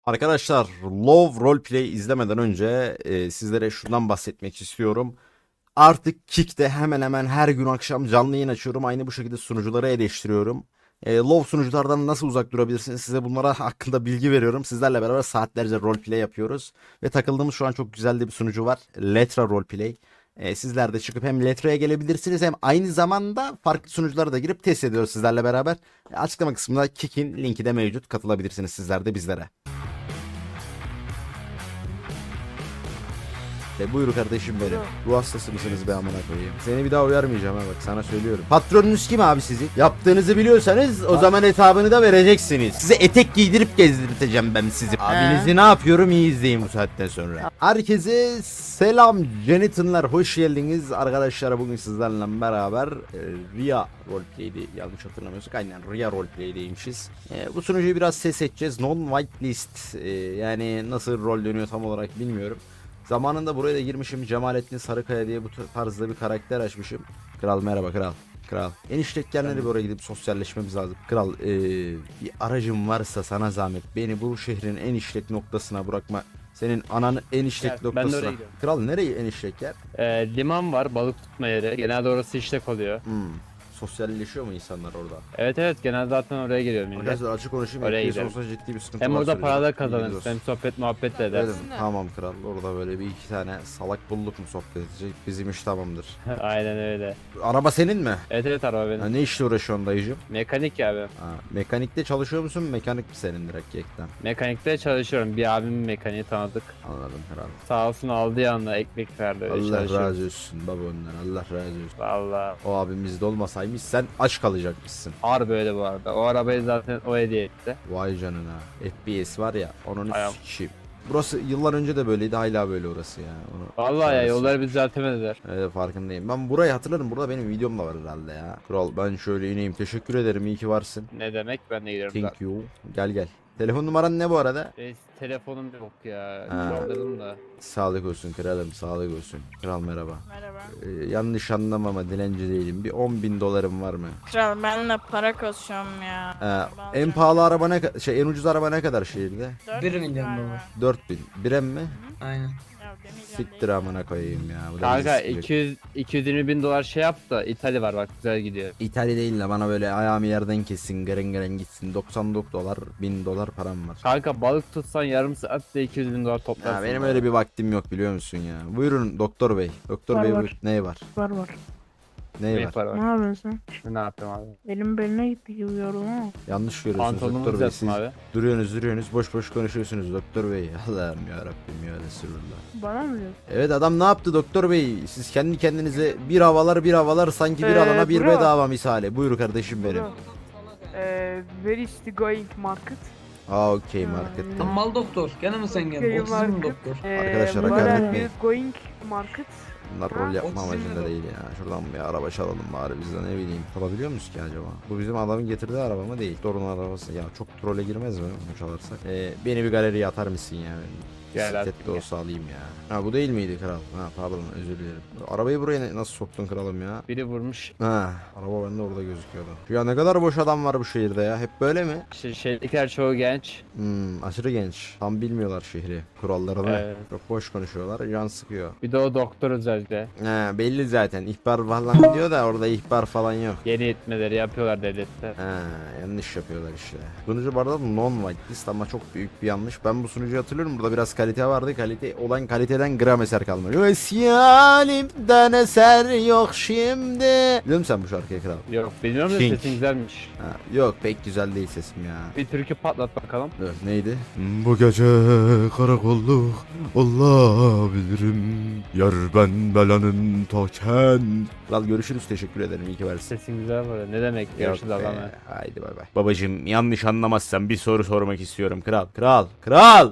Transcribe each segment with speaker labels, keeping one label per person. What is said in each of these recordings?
Speaker 1: Arkadaşlar, Love Roleplay izlemeden önce sizlere şundan bahsetmek istiyorum. Artık Kick'te hemen hemen her gün akşam canlı yayın açıyorum. Aynı bu şekilde sunucuları eleştiriyorum. Love sunuculardan nasıl uzak durabilirsiniz? Size bunlara hakkında bilgi veriyorum. Sizlerle beraber saatlerce roleplay yapıyoruz. Ve takıldığımız şu an çok güzel de bir sunucu var. Letra Roleplay. Sizler de çıkıp hem Letra'ya gelebilirsiniz hem aynı zamanda farklı sunuculara da girip test ediyoruz sizlerle beraber. Açıklama kısmında Kick'in linki de mevcut. Katılabilirsiniz sizler de bizlere. Buyur kardeşim benim. Ruh hastası mısınız be amına koyayım? Seni bir daha uyarmayacağım ha, bak sana söylüyorum. Patronunuz kim abi sizin? Yaptığınızı biliyorsanız o zaman hesabını da vereceksiniz. Size etek giydirip gezdirteceğim ben sizi. Abinizi ne yapıyorum iyi izleyin bu saatten sonra. Herkese selam Jenitinler, hoş geldiniz. Arkadaşlar bugün sizlerle beraber Ria Roleplay'di, yanlış hatırlamıyorsak aynen Ria Roleplay'deymişiz. Bu sunucuyu biraz ses edeceğiz. Non-whitelist, yani nasıl rol dönüyor tam olarak bilmiyorum. Zamanında buraya da girmişim. Cemalettin Sarıkaya diye bu tarzda bir karakter açmışım. Kral merhaba kral. Kral. Eniştekkenleri bir oraya gidip sosyalleşmemiz lazım. Kral bir aracım varsa sana zahmet beni bu şehrin en işlek noktasına bırakma. Senin ananın en işlek noktasına. Kral nereye en işlek yer?
Speaker 2: Liman var, balık tutma yeri. Genelde orası işlek oluyor.
Speaker 1: Sosyalleşiyor mu insanlar orada?
Speaker 2: Evet, genelde zaten oraya geliyor millet.
Speaker 1: Arkadaşlar açık konuşayım.
Speaker 2: Oraya
Speaker 1: FPS
Speaker 2: gidelim.
Speaker 1: olsa ciddi bir sıkıntı
Speaker 2: Hem
Speaker 1: var
Speaker 2: orada
Speaker 1: söyleyeceğim.
Speaker 2: para da
Speaker 1: Bilginiz
Speaker 2: kazanırsın,
Speaker 1: olsun.
Speaker 2: hem sohbet muhabbet de
Speaker 1: Dedim,
Speaker 2: edersin.
Speaker 1: tamam kral, orada böyle bir iki tane salak bulduk mu sohbet edecek, bizim iş tamamdır.
Speaker 2: Aynen öyle.
Speaker 1: Araba senin mi?
Speaker 2: Evet, araba benim.
Speaker 1: Ha, ne işle uğraşıyorsun dayıcım?
Speaker 2: Mekanik ya abi.
Speaker 1: Ha, mekanikte çalışıyor musun? Mekanik mi senin direkt yekten?
Speaker 2: Mekanikte çalışıyorum. Bir abimin mekaniği tanıdık.
Speaker 1: Anladım kral.
Speaker 2: Sağ olsun aldığı anda ekmek verdi. Öyle
Speaker 1: Allah
Speaker 2: çalışıyorum.
Speaker 1: razı olsun baba ondan, Allah razı olsun.
Speaker 2: Valla.
Speaker 1: O abimiz de olmasaymış sen aç kalacakmışsın.
Speaker 2: Harbi öyle bu arada. O arabayı zaten o hediye etti.
Speaker 1: Vay canına. FPS var ya, onun
Speaker 2: Ayağım.
Speaker 1: sikeyim. Burası yıllar önce de böyleydi, hala böyle orası ya.
Speaker 2: Vallahi ya,
Speaker 1: Orası.
Speaker 2: yolları biz düzeltemediler.
Speaker 1: Evet, farkındayım. Ben burayı hatırlarım. Burada benim videom da var herhalde ya. Kral ben şöyle ineyim. Teşekkür ederim. İyi ki varsın.
Speaker 2: Ne demek, ben de gidiyorum.
Speaker 1: Thank you. Gel gel. Telefon numaran ne bu arada?
Speaker 2: Telefonum yok ya.
Speaker 1: Ha.
Speaker 2: Kaldırdım da.
Speaker 1: Sağlık olsun kralım, sağlık olsun. Kral merhaba.
Speaker 3: Merhaba.
Speaker 1: Yanlış anlama ama dilenci değilim. Bir 10.000 dolarım var mı?
Speaker 3: Kral benle para kasıyorum ya.
Speaker 1: En pahalı araba ne en ucuz araba ne kadar şehirde?
Speaker 4: 1 milyon dolar.
Speaker 1: 4.000. Birem mi?
Speaker 4: Aynen.
Speaker 1: Siktir amına koyayım ya. Bu da
Speaker 2: Kanka
Speaker 1: bizi sikecek.
Speaker 2: 220 bin dolar şey yap da İtalya var bak, güzel gidiyor.
Speaker 1: İtalya değil de bana böyle ayağımı yerden kessin, garen garen gitsin. 99 dolar, 1000 dolar param var.
Speaker 2: Kanka balık tutsan yarım saatte 200 bin dolar toplarsın.
Speaker 1: Ya benim öyle bir vaktim yok biliyor musun ya. Buyurun doktor bey. Doktor
Speaker 5: Var,
Speaker 1: bey
Speaker 5: var.
Speaker 1: buyur. Ne var?
Speaker 5: Var.
Speaker 1: Ne
Speaker 2: Ne
Speaker 1: var?
Speaker 2: para
Speaker 5: Ne
Speaker 2: var?
Speaker 5: yapıyorsun?
Speaker 2: Ne yapayım abi?
Speaker 5: Elim beline gitti gibi yorum ama.
Speaker 1: Yanlış görüyorsunuz
Speaker 2: Pantolonumuz
Speaker 1: doktor bey.
Speaker 2: yapsın
Speaker 1: Siz
Speaker 2: abi.
Speaker 1: duruyorsunuz boş boş konuşuyorsunuz doktor bey. Allah'ım ya Rabbim ya Resulullah.
Speaker 5: Bana mı diyorsun?
Speaker 1: Evet adam ne yaptı doktor bey? Siz kendi kendinize bir havalar sanki bir alana bir
Speaker 5: bro.
Speaker 1: bedava misali. Buyur kardeşim benim.
Speaker 5: Where is the going market?
Speaker 1: Aa okey markette.
Speaker 4: Mal doktor. Gene mi sen geldin? Otizm mi doktor?
Speaker 1: Arkadaşlar,
Speaker 5: where
Speaker 1: hakaret
Speaker 5: are
Speaker 1: etmeyin.
Speaker 5: you going market?
Speaker 1: Bunlar rol yapma
Speaker 4: Otizm
Speaker 1: amacında
Speaker 4: mi?
Speaker 1: değil ya. Şuradan bir araba çalalım bari biz de ne bileyim. Alabiliyor muyuz ki acaba? Bu bizim adamın getirdiği araba mı değil? Dorun arabası. Ya çok trole girmez mi bunu çalarsak? Beni bir galeriye atar mısın ya?
Speaker 2: Gel
Speaker 1: Bisiklet
Speaker 2: artık
Speaker 1: de
Speaker 2: ya.
Speaker 1: olsa alayım ya. Ha bu değil miydi kral? Ha pardon özür dilerim. Arabayı buraya nasıl soktun kralım ya?
Speaker 2: Biri vurmuş.
Speaker 1: Ha araba bende orada gözüküyordu. Ya ne kadar boş adam var bu şehirde ya. Hep böyle mi?
Speaker 2: İşte şehirdekiler çoğu genç.
Speaker 1: Aşırı genç. Tam bilmiyorlar şehri. Kurallarını.
Speaker 2: Evet.
Speaker 1: Çok boş konuşuyorlar. Can sıkıyor.
Speaker 2: Bir de o doktor özellikle.
Speaker 1: Ha belli zaten. İhbar falan diyor da orada ihbar falan yok.
Speaker 2: Yeni etmeleri yapıyorlar devlette.
Speaker 1: Ha yanlış yapıyorlar işte. Sunucu bu arada non-whitelist ama çok büyük bir yanlış. Ben bu sunucuyu hatırlıyorum. Burada biraz kalite vardı. Kalite olan kaliteden gram eser kalmadı. Yalimden eser yok şimdi. Biliyor musun sen bu şarkıyı kral?
Speaker 2: Yok bilmiyorum da
Speaker 1: King.
Speaker 2: sesin güzelmiş.
Speaker 1: Ha, yok pek güzel değil sesim ya.
Speaker 2: Bir türkü patlat bakalım.
Speaker 1: Evet, neydi? Bu gece karakolluk olabilirim. Yar ben belanın token. Kral görüşürüz, teşekkür ederim, iyi ki varsın.
Speaker 2: Sesin güzel var. Ne demek?
Speaker 1: Yok
Speaker 2: Görüşürüz
Speaker 1: be,
Speaker 2: Allah'ım.
Speaker 1: haydi bay bay. Babacım yanlış anlamazsan bir soru sormak istiyorum kral. Kral.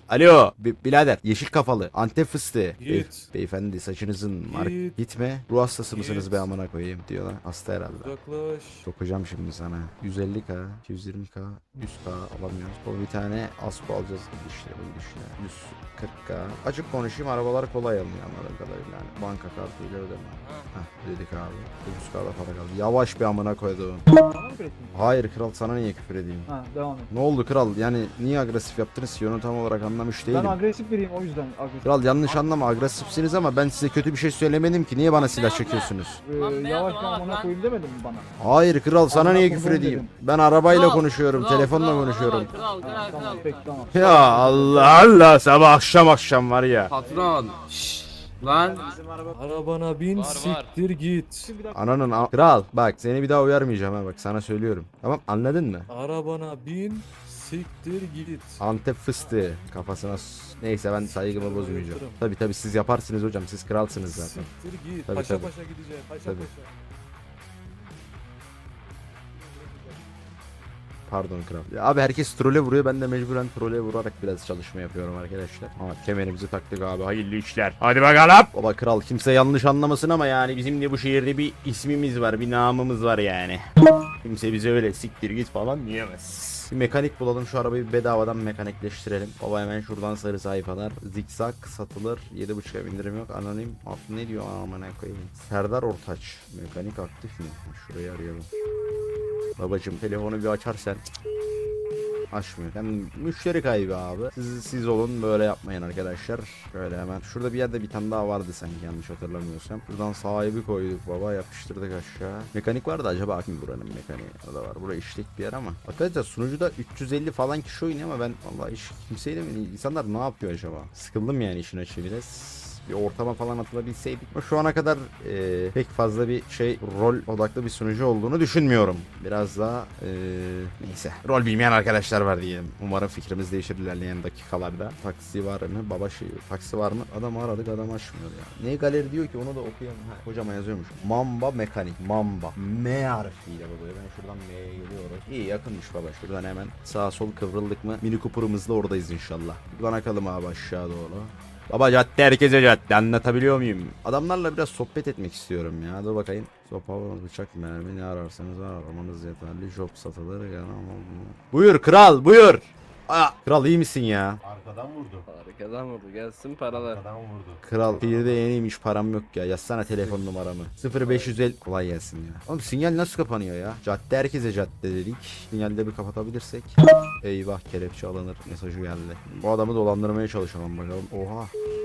Speaker 1: Alo birader yeşil kafalı Antep fıstığı.
Speaker 6: Git.
Speaker 1: Beyefendi saçınızın
Speaker 6: Git.
Speaker 1: gitme. Ruh hastası mısınız
Speaker 6: Git.
Speaker 1: be amına koyayım diyorlar. Hasta herhalde.
Speaker 6: Uzaklaş.
Speaker 1: Sokacağım şimdi sana. 150k, 220k, 100k alamıyoruz. O bir tane Asko alacağız. İşte bu işte. 140k. Açık konuşayım arabalar kolay alınıyor anladığım kadarıyla. Yani banka kartıyla ödeme. Heh dedik abi. 9k'da para kaldı. Yavaş bir amına koyduğum.
Speaker 7: Bana mı küfür
Speaker 1: Hayır kral sana niye küfür edeyim?
Speaker 7: Ha, devam et.
Speaker 1: Ne oldu kral? Yani niye agresif yaptınız ki? Onu tam olarak anlamış değilim.
Speaker 7: Ben agresif biriyim, o yüzden agresif.
Speaker 1: Kral yanlış anlama agresifsiniz ama ben size kötü bir şey söylemedim ki. Niye bana silah çekiyorsunuz?
Speaker 7: Yavaş bir amına koyayım demedin mi bana?
Speaker 1: Hayır kral sana
Speaker 7: Amına
Speaker 1: niye
Speaker 7: koyduğum
Speaker 1: küfür edeyim?
Speaker 7: dedim.
Speaker 1: Ben arabayla konuşuyorum, telefonla konuşuyorum.
Speaker 7: Ha, tamam, peki tamam.
Speaker 1: Ya Allah Allah sabah akşam var ya.
Speaker 4: Patron. Lan.
Speaker 6: Arabana bin siktir git.
Speaker 1: Ananın kral bak seni bir daha uyarmayacağım ha bak sana söylüyorum. Tamam anladın mı?
Speaker 6: Arabana bin siktir git.
Speaker 1: Antep fıstığı kafasına neyse ben saygımı bozmayacağım. Tabi siz yaparsınız hocam siz kralsınız zaten.
Speaker 6: Siktir git.
Speaker 1: Tabii,
Speaker 6: Paşa
Speaker 1: tabii.
Speaker 6: paşa gideceğim. Paşa
Speaker 1: Tabii.
Speaker 6: paşa.
Speaker 1: Pardon kral. Ya abi herkes trole vuruyor ben de mecburen trole vurarak biraz çalışma yapıyorum arkadaşlar. Ama kemerimizi taktık abi hayırlı işler. Hadi bakalım. Baba kral kimse yanlış anlamasın ama yani bizim de bu şehirde bir ismimiz var bir namımız var yani. Kimse bize öyle siktir git falan diyemez. Bir mekanik bulalım şu arabayı bedavadan mekanikleştirelim. Baba hemen şuradan sarı sayfalar. Zikzak satılır. 7.5'a indirim yok. Anonim. Ne diyor amına koyayım. Serdar Ortaç. Mekanik aktif mi? Şurayı arayalım. Babacım telefonu bir açarsan. Açmıyor. Yani müşteri kaybı abi. Siz olun böyle yapmayın arkadaşlar. Şöyle hemen. Şurada bir yerde bir tane daha vardı sanki yanlış hatırlamıyorsam. Buradan sahibi koyduk baba yapıştırdık aşağı. Mekanik vardı acaba kim buranın mekaniği? O da var. Burası işlek bir yer ama. Arkadaşlar sunucuda 350 falan kişi oynuyor ama ben vallahi hiç kimseyle mi? İnsanlar ne yapıyor acaba? Sıkıldım yani işin açığı biraz. Bir ortama falan atılabilseydik. Ama şu ana kadar pek fazla bir rol odaklı bir sunucu olduğunu düşünmüyorum. Biraz daha neyse. Rol bilmeyen arkadaşlar var diyelim. Umarım fikrimiz değişir ilerleyen dakikalarda. Taksi var mı? Taksi var mı? Adam aradık adam açmıyor ya. Ne galeri diyor ki onu da okuyalım. Ha, hocama yazıyormuş. Mamba mekanik. Mamba. M harfiyle baba. Ben şuradan M'ye geliyoruz. İyi yakınmış baba. Şuradan hemen sağa sol kıvrıldık mı? Mini Cooper'ımızla oradayız inşallah. Buradan akalım abi aşağı doğru. Baba cadde herkese cadde anlatabiliyor muyum? Adamlarla biraz sohbet etmek istiyorum ya. Dur bakayım. Sopa, bıçak, mermi ne ararsanız var aramanız yeterli. Job satılır. Buyur kral buyur. Aa, kral iyi misin ya?
Speaker 8: Arkadan vurdu.
Speaker 2: Arkadan vurdu gelsin paralar.
Speaker 8: Arkadan vurdu.
Speaker 1: Kral şehirde yeniymiş param yok ya. Yazsana telefon numaramı. 0550 kolay gelsin ya. Oğlum sinyal nasıl kapanıyor ya? Cadde herkese cadde dedik. Sinyalde bir kapatabilirsek. Eyvah kelepçe alınır mesajı geldi. Bu adamı dolandırmaya çalışalım bakalım. Oha.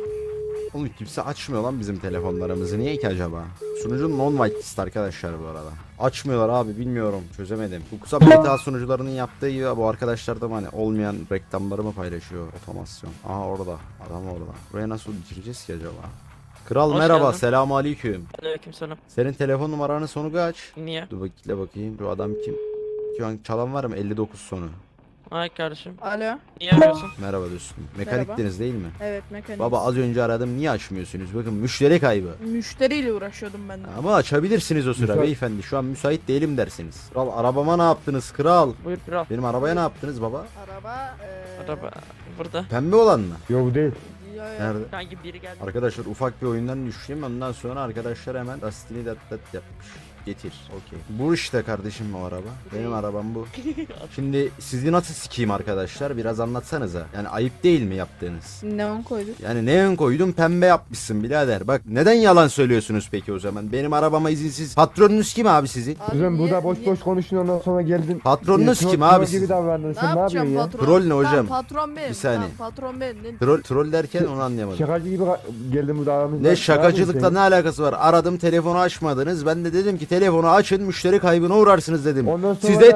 Speaker 1: Oğlum kimse açmıyor lan bizim telefonlarımızı. Niye ki acaba? Sunucunun non-whitelist arkadaşlar bu arada. Açmıyorlar abi bilmiyorum. Çözemedim. Bu kısa beta sunucularının yaptığı gibi bu arkadaşlar da hani olmayan reklamları mı paylaşıyor? Otomasyon. Aha orada. Adam orada. Buraya nasıl bitireceğiz ki acaba? Kral
Speaker 3: Hoş
Speaker 1: merhaba.
Speaker 3: geldin.
Speaker 1: Selamun aleyküm.
Speaker 3: Aleykümselam.
Speaker 1: Senin telefon numaranın sonu kaç?
Speaker 3: Niye?
Speaker 1: Dur bakayım. Şu adam kim? Şu an çalan var mı? 59 sonu.
Speaker 3: Ay kardeşim.
Speaker 9: Alo.
Speaker 3: Niye arıyorsun?
Speaker 1: Merhaba dostum. Mekaniktiniz değil mi?
Speaker 9: Evet mekanik.
Speaker 1: Baba az önce aradım niye açmıyorsunuz? Bakın müşteri kaybı.
Speaker 9: Müşteriyle uğraşıyordum ben de.
Speaker 1: Ama açabilirsiniz o sıra
Speaker 7: Müsait.
Speaker 1: beyefendi. Şu an müsait değilim dersiniz. Kral arabama ne yaptınız kral?
Speaker 3: Buyur kral.
Speaker 1: Benim arabaya ne yaptınız baba?
Speaker 9: Araba
Speaker 3: Araba burada.
Speaker 1: Pembe olan mı?
Speaker 7: Yok bu değil.
Speaker 1: Nerede?
Speaker 3: Sanki biri geldi.
Speaker 1: Arkadaşlar ufak bir oyundan düştüm. Ondan sonra arkadaşlar hemen lastiğini dat yapmış. Getir. Okey. Bu işte kardeşim o araba. Benim arabam bu. Şimdi sizi nasıl sikeyim arkadaşlar? Biraz anlatsanıza. Yani ayıp değil mi yaptığınız?
Speaker 9: Neon koyduk.
Speaker 1: Yani ne ön koydun pembe yapmışsın birader. Bak neden yalan söylüyorsunuz peki o zaman? Benim arabama izinsiz. Patronunuz kim abi sizin?
Speaker 9: Abi
Speaker 7: Kızım
Speaker 9: niye-
Speaker 7: burada boş
Speaker 9: niye-
Speaker 7: boş konuşuyorsun ondan sonra geldin.
Speaker 1: Patronunuz
Speaker 7: Troll-
Speaker 1: kim
Speaker 7: troll
Speaker 1: abi
Speaker 7: gibi
Speaker 1: sizin?
Speaker 7: davrandın.
Speaker 9: Ne
Speaker 7: Sen ne
Speaker 9: yapacağım
Speaker 7: yapıyorsun ya?
Speaker 9: patron?
Speaker 1: Troll ne hocam?
Speaker 9: Lan patron benim.
Speaker 1: Bir saniye.
Speaker 9: Lan patron benim. Ne-
Speaker 1: Troll derken onu anlayamadım.
Speaker 7: Şakacı gibi geldin burada aramızda.
Speaker 1: Ne şakacılıkla ne alakası var? Aradım telefonu açmadınız. Ben de dedim ki telefonu açın müşteri kaybına uğrarsınız dedim.
Speaker 7: Ondan sonra
Speaker 1: Size
Speaker 7: da-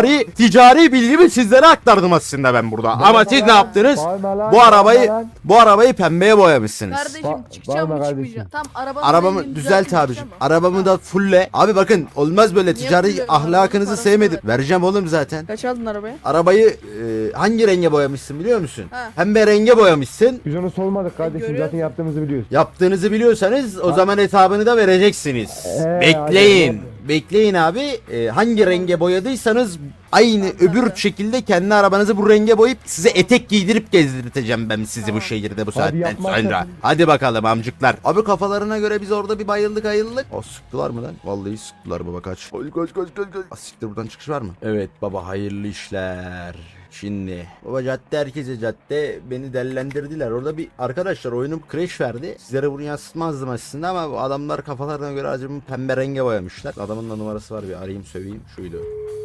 Speaker 1: ticari bilgimi sizlere aktardım aslında ben burada. Ama siz ne yaptınız?
Speaker 7: Bağırma lan,
Speaker 1: Bu arabayı
Speaker 7: bağırma lan.
Speaker 1: bu arabayı pembeye boyamışsınız.
Speaker 9: Kardeşim
Speaker 7: Ba-
Speaker 9: çıkacağım
Speaker 7: bağırma
Speaker 9: mı
Speaker 7: kardeşim.
Speaker 9: çıkmayacağım? Tam arabanın
Speaker 1: Arabamı
Speaker 9: rengini
Speaker 1: düzelt
Speaker 9: düzeltip
Speaker 1: abicim.
Speaker 9: çıkacağım.
Speaker 1: Arabamı da fulle. Abi bakın olmaz böyle
Speaker 9: Niye
Speaker 1: ticari
Speaker 9: fulluyorsun?
Speaker 1: ahlakınızı
Speaker 9: Parası
Speaker 1: sevmedim.
Speaker 9: ver.
Speaker 1: Vereceğim oğlum zaten.
Speaker 9: Kaç aldın arabayı?
Speaker 1: Arabayı hangi renge boyamışsın biliyor musun?
Speaker 9: Ha.
Speaker 1: Pembe renge boyamışsın.
Speaker 7: Biz onu sormadık kardeşim.
Speaker 9: Görüyorsun.
Speaker 7: Zaten yaptığımızı biliyoruz.
Speaker 1: Yaptığınızı biliyorsanız o zaman hesabını da vereceksiniz.
Speaker 7: Hadi
Speaker 1: Bekleyin. bekleyin. Bekleyin abi. Hangi renge boyadıysanız aynı öbür şekilde kendi arabanızı bu renge boyayıp size etek giydirip gezdirteceğim ben sizi bu şehirde bu saatten
Speaker 7: yapmazsan-
Speaker 1: sonra. Hadi bakalım amcıklar. Abi kafalarına göre biz orada bir bayıldık ayıldık. O sıktılar mı lan? Vallahi sıktılar baba kaç. Kaç. Siktir buradan çıkış var mı? Evet baba hayırlı işler. Şimdi baba cadde herkese cadde beni dellendirdiler. Orada bir arkadaşlar oyunum crash verdi. Sizlere bunu yansıtmazdım aslında ama bu adamlar kafalarına göre acımı pembe renge boyamışlar. Adamın da numarası var bir arayayım söveyim şuydu.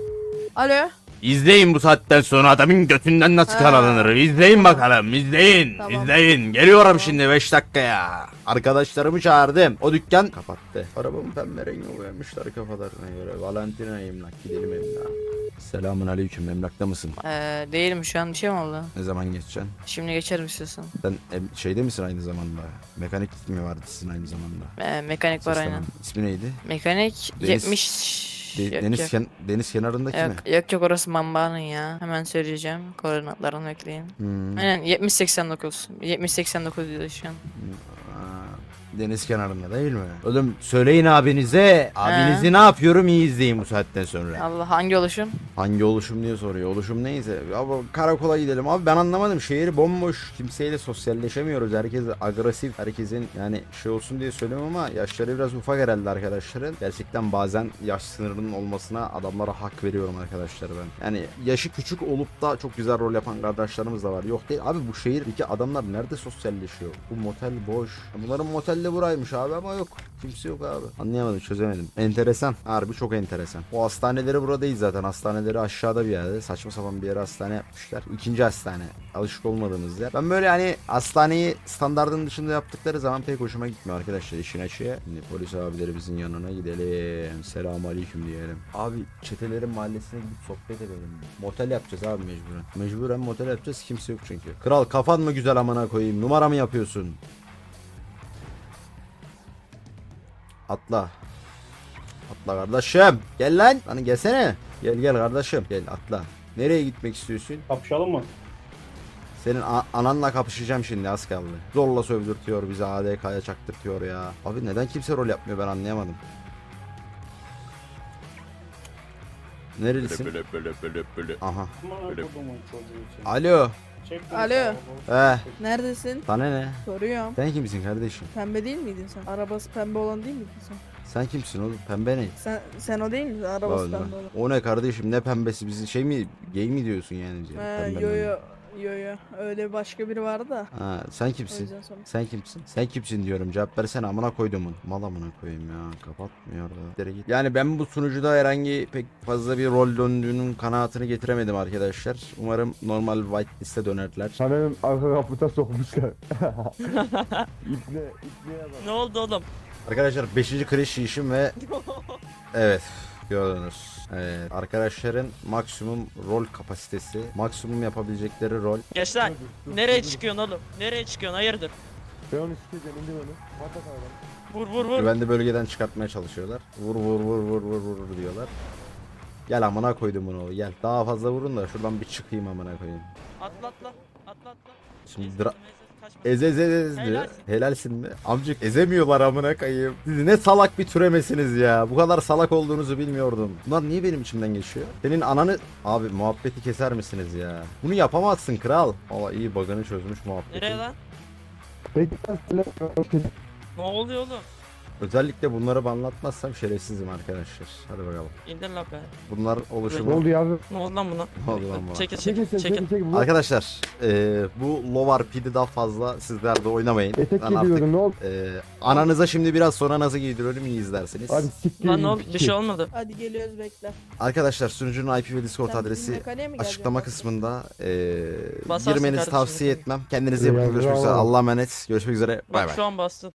Speaker 9: Alo.
Speaker 1: İzleyin bu saatten sonra adamın götünden nasıl
Speaker 9: Ha.
Speaker 1: karalanır. İzleyin bakalım izleyin.
Speaker 9: Tamam.
Speaker 1: İzleyin. Geliyorum şimdi 5 dakikaya. Arkadaşlarımı çağırdım. O dükkan kapattı. Arabamı pembe rengi boyamışlar kafalarına göre. Valentina emlak gidelim emlak. Selamun aleyküm emlakta mısın?
Speaker 8: Değilim şu an bir şey mi oldu?
Speaker 1: Ne zaman geçeceksin?
Speaker 8: Şimdi geçerim istiyorsan.
Speaker 1: Sen şeyde misin aynı zamanda? Mekanik mi vardı sizin aynı zamanda?
Speaker 8: Mekanik var
Speaker 1: Seslenme.
Speaker 8: aynen.
Speaker 1: İsmi neydi?
Speaker 8: Mekanik
Speaker 1: Deniz-
Speaker 8: 70. Yok,
Speaker 1: deniz,
Speaker 8: yok.
Speaker 1: deniz kenarındaki mi?
Speaker 8: Yok orası Mamba'nın ya. Hemen söyleyeceğim. Koordinatlarını bekleyin.
Speaker 1: Hmm.
Speaker 8: Aynen 70-89. 70-89 diyor şu an.
Speaker 1: Aa, deniz kenarında değil mi? Oğlum söyleyin abinize. Abinizi ne yapıyorum iyi izleyin bu saatten sonra.
Speaker 8: Allah hangi oluşum?
Speaker 1: Hangi oluşum diye soruyor. Oluşum neyse. Abi karakola gidelim. Abi ben anlamadım. Şehir bomboş. Kimseyle sosyalleşemiyoruz. Herkes agresif. Herkesin yani şey olsun diye söylüyorum ama yaşları biraz ufak herhalde arkadaşların. Gerçekten bazen yaş sınırının olmasına adamlara hak veriyorum arkadaşlar ben. Yani yaşı küçük olup da çok güzel rol yapan kardeşlerimiz de var. Yok değil. Abi bu şehirdeki adamlar nerede sosyalleşiyor? Bu motel boş. Bunların motel de buraymış abi ama yok. Kimse yok abi. Anlayamadım çözemedim. Enteresan. Harbi çok enteresan. O hastaneleri burada değil zaten. Hastaneleri aşağıda bir yerde. Saçma sapan bir yere hastane yapmışlar. İkinci hastane. Alışık olmadığımız yer. Ben böyle hani hastaneyi standardın dışında yaptıkları zaman pek hoşuma gitmiyor arkadaşlar işin açığı. Şimdi polis abilerimizin yanına gidelim. Selamun aleyküm diyelim. Abi çetelerin mahallesine gidip sohbet edelim. Motel yapacağız abi mecburen. Mecburen motel yapacağız. Kimse yok çünkü. Kral kafan mı güzel amına koyayım? Numara mı yapıyorsun? Atla. Atla kardeşim. Gel lan. Hani gelsene. Gel kardeşim. Gel atla. Nereye gitmek istiyorsun?
Speaker 10: Kapışalım mı?
Speaker 1: Senin ananla kapışacağım şimdi az kaldı. Zorla sövdürtüyor bizi ADK'ya çaktırtıyor ya. Abi neden kimse rol yapmıyor ben anlayamadım. Nerelisin? Aha. Alo.
Speaker 9: Alo. Neredesin?
Speaker 1: Sana ne?
Speaker 9: Soruyorum.
Speaker 1: Sen kimsin kardeşim?
Speaker 9: Pembe değil miydin sen? Arabası pembe olan değil miydin sen?
Speaker 1: Sen kimsin oğlum? Pembe ne?
Speaker 9: Sen o değil misin? Arabası
Speaker 1: Vallahi.
Speaker 9: pembe olan.
Speaker 1: O ne kardeşim ne pembesi bizi şey mi gay mi diyorsun yani? Pembe mi?
Speaker 9: Yo. Öyle başka biri vardı da.
Speaker 1: Ha, sen
Speaker 9: O
Speaker 1: kimsin?
Speaker 9: yüzden sonra.
Speaker 1: Sen kimsin? Sen kimsin diyorum. Cevap versene amına koydumun. Mal amına koyayım ya. Kapatmıyor da. Dere git. Yani ben bu sunucuda herhangi pek fazla bir rol döndüğünün kanaatini getiremedim arkadaşlar. Umarım normal whitelist'e dönerler.
Speaker 7: Sanırım arka kaputa sokmuşlar. İpne bak.
Speaker 3: Ne oldu oğlum?
Speaker 1: Arkadaşlar 5. crash işim ve evet gördünüz. Evet, arkadaşların maksimum rol kapasitesi, maksimum yapabilecekleri rol.
Speaker 3: Geç lan. Nereye çıkıyorsun oğlum? Nereye çıkıyorsun? Hayırdır?
Speaker 7: Ben onu sikeceğim indir onu. Patlat arabanı.
Speaker 3: Vur vur vur.
Speaker 1: Güvenli bölgeden çıkartmaya çalışıyorlar. Vur diyorlar. Gel amına koydum bunu gel. Daha fazla vurun da şuradan bir çıkayım amına koyayım.
Speaker 3: Atla atla. Atla atla.
Speaker 1: Şimdi
Speaker 3: Ezdim,
Speaker 1: dra-
Speaker 3: kaçma.
Speaker 1: Ez diyor.
Speaker 3: Helalsin.
Speaker 1: Helalsin mi? Amcık ezemiyorlar amına koyayım. Siz ne salak bir türemesiniz ya. Bu kadar salak olduğunuzu bilmiyordum. Bunlar niye benim içimden geçiyor? Senin ananı... Abi muhabbeti keser misiniz ya? Bunu yapamazsın kral. Valla iyi bug'ını çözmüş muhabbeti.
Speaker 3: Nereye lan?
Speaker 7: Peki ben
Speaker 3: Ne oluyor oğlum?
Speaker 1: Özellikle bunları anlatmazsam şerefsizim arkadaşlar. Hadi bakalım.
Speaker 3: İndir lan be.
Speaker 1: Bunlar
Speaker 7: ne
Speaker 1: oluşumu...
Speaker 7: oldu yavrum?
Speaker 3: Ne oldu lan buna?
Speaker 1: Ne oldu lan buna?
Speaker 3: Çekil
Speaker 7: Çekil
Speaker 3: çekil
Speaker 7: çekil
Speaker 3: çekil.
Speaker 7: çekil.
Speaker 1: Arkadaşlar bu Lovar Pid'i daha fazla sizler de oynamayın.
Speaker 7: Etek
Speaker 1: Ben artık
Speaker 7: giydiyordun ne oldu?
Speaker 1: ananıza şimdi biraz sonra nasıl giydiriyorum iyi izlersiniz.
Speaker 7: Hadi siktir.
Speaker 3: Lan ne oldu? Bir şey olmadı.
Speaker 9: Hadi geliyoruz bekle.
Speaker 1: Arkadaşlar sunucunun IP ve Discord
Speaker 9: Sen bizim
Speaker 1: adresi
Speaker 9: mekaniğe mi geleceksin?
Speaker 1: açıklama kısmında
Speaker 3: Basarsın
Speaker 1: girmenizi
Speaker 3: kardeşim
Speaker 1: tavsiye
Speaker 3: mekaniğe.
Speaker 1: etmem. Kendinize iyi bakın.
Speaker 7: Eyvallah.
Speaker 1: Görüşmek üzere. Allah'a emanet. Görüşmek üzere. Bay
Speaker 3: Bak
Speaker 1: bay.
Speaker 3: şu an bastın.